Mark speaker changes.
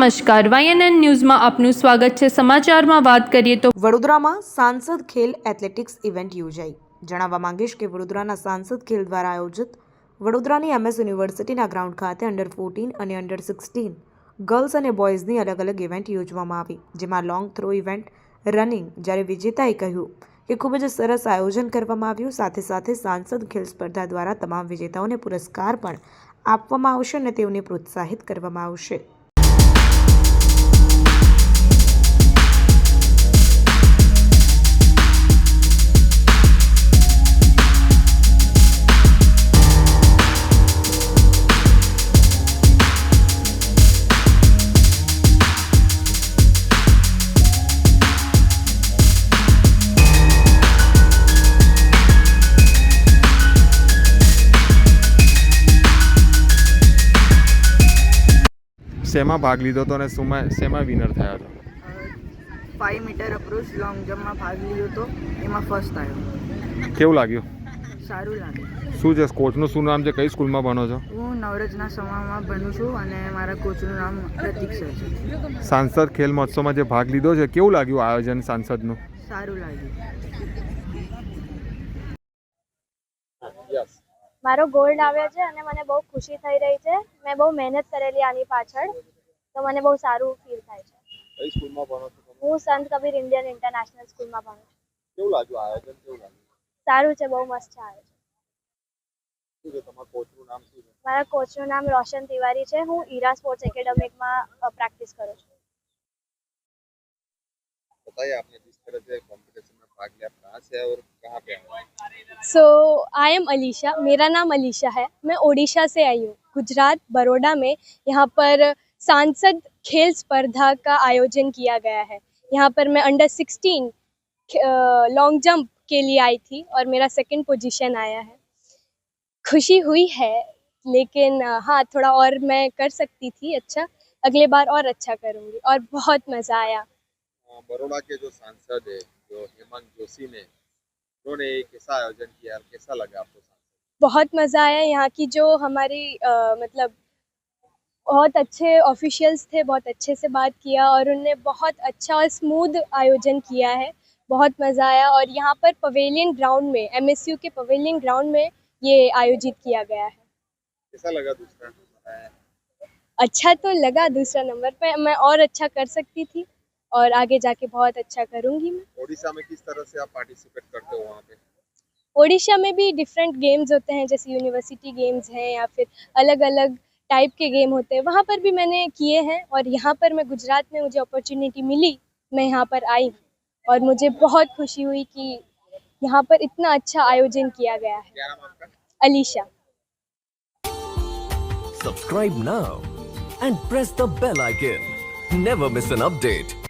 Speaker 1: નમસ્કાર, YNN ન્યૂઝમાં આપનું સ્વાગત છે। સમાચારમાં વાત કરીએ તો
Speaker 2: વડોદરામાં સાંસદ ખેલ એથ્લેટિક્સ ઇવેન્ટ યોજાઈ। જણાવવા માંગીશ કે વડોદરાના સાંસદ ખેલ દ્વારા આયોજિત વડોદરાની MS યુનિવર્સિટીના ગ્રાઉન્ડ ખાતે અંડર-14 અને અંડર-16 ગર્લ્સ અને બોયઝની અલગ અલગ ઇવેન્ટ યોજવામાં આવી, જેમાં લોંગ થ્રો ઇવેન્ટ, રનિંગ, જ્યારે વિજેતાએ કહ્યું કે ખૂબ જ સરસ આયોજન કરવામાં આવ્યું। સાથે સાથે સાંસદ ખેલ સ્પર્ધા દ્વારા તમામ વિજેતાઓને પુરસ્કાર પણ આપવામાં આવશે અને તેઓને પ્રોત્સાહિત કરવામાં આવશે।
Speaker 3: શેમાં ભાગ લીધો હતો અને શેમાં વિનર થયા હતો?
Speaker 4: 5 મીટર અપ્રોચ લોંગ જમ્પમાં ભાગ લીધો હતો, એમાં ફર્સ્ટ આવ્યો।
Speaker 3: કેવું લાગ્યું?
Speaker 4: સારું લાગ્યું।
Speaker 3: શું છે કોચનું શું નામ છે? કઈ સ્કૂલમાં ભણો છો?
Speaker 4: હું નવરજના સમામાં ભણું છું અને મારા કોચનું નામ પ્રતીક્ષા છે।
Speaker 3: સાંસદ ખેલ મહોત્સવમાં જે ભાગ લીધો છે, કેવું લાગ્યું આયોજન સાંસદનું?
Speaker 4: સારું લાગ્યું।
Speaker 5: મારો ગોલ્ડ આવ્યો છે અને મને બહુ ખુશી થઈ રહી છે। મેં બહુ મહેનત કરેલી આની પાછળ, તો મને બહુ સારું ફીલ થાય છે।
Speaker 3: કઈ સ્કૂલમાં ભણો છો તમે?
Speaker 5: હું સંત કબીર ઇન્ડિયન ઇન્ટરનેશનલ સ્કૂલમાં ભણું છું।
Speaker 3: કેવું લાગ્યું આયોજન? કેવું લાગ્યું?
Speaker 5: સારું છે, બહુ મસ્ત છે આયોજન।
Speaker 3: શું છે તમારા કોચનું નામ શું છે?
Speaker 5: મારા કોચનું નામ રોશન તિવારી છે। હું ઈરા સ્પોર્ટ્સ એકેડેમીમાં પ્રેક્ટિસ કરું છું।
Speaker 3: बताइए आपने जिस तरह से कंपटीशन में भाग लिया, कहाँ से और कहाँ पे आए?
Speaker 6: सो आई एम अलीशा, मेरा नाम अलीशा है। मैं ओडिशा से आई हूँ, गुजरात बड़ौदा में। यहाँ पर सांसद खेल स्पर्धा का आयोजन किया गया है। यहाँ पर मैं अंडर-16 लॉन्ग जंप के लिए आई थी और मेरा 2nd पोजीशन आया है। खुशी हुई है, लेकिन हाँ, थोड़ा और मैं कर सकती थी अच्छा। अगले बार और अच्छा करूँगी और बहुत मज़ा आया।
Speaker 3: बड़ौदा के जो सांसद है, जो हेमंत जोशी ने, उन्होंने कैसा आयोजन किया और कैसा लगा आपको?
Speaker 6: बहुत मज़ा आया। यहाँ की जो हमारी मतलब बहुत अच्छे ऑफिशियल्स थे, बहुत अच्छे से बात किया और उन्होंने बहुत अच्छा और स्मूथ आयोजन किया है। बहुत मज़ा आया। और यहाँ पर पवेलियन ग्राउंड में, MSU के पवेलियन ग्राउंड में ये आयोजित किया गया है।
Speaker 3: कैसा लगा दूसरा?
Speaker 6: अच्छा तो लगा दूसरा नंबर पे, मैं और अच्छा कर सकती थी और आगे जाके बहुत अच्छा करूँगी मैं।
Speaker 3: ओडिशा में किस तरह से आप पार्टिसिपेट करते हो वहाँ पे?
Speaker 6: ओडिशा में भी डिफरेंट गेम्स होते हैं, जैसे यूनिवर्सिटी गेम्स हैं या फिर अलग अलग टाइप के गेम होते हैं, वहाँ पर भी मैंने किए हैं। और यहाँ पर मैं गुजरात में, मुझे अपॉर्चुनिटी मिली, मैं यहाँ पर आई और मुझे बहुत खुशी हुई कि यहाँ पर इतना अच्छा आयोजन किया गया है।
Speaker 3: क्या नाम आपका?
Speaker 6: Alisha.
Speaker 7: Subscribe now and press the bell icon. Never miss an update.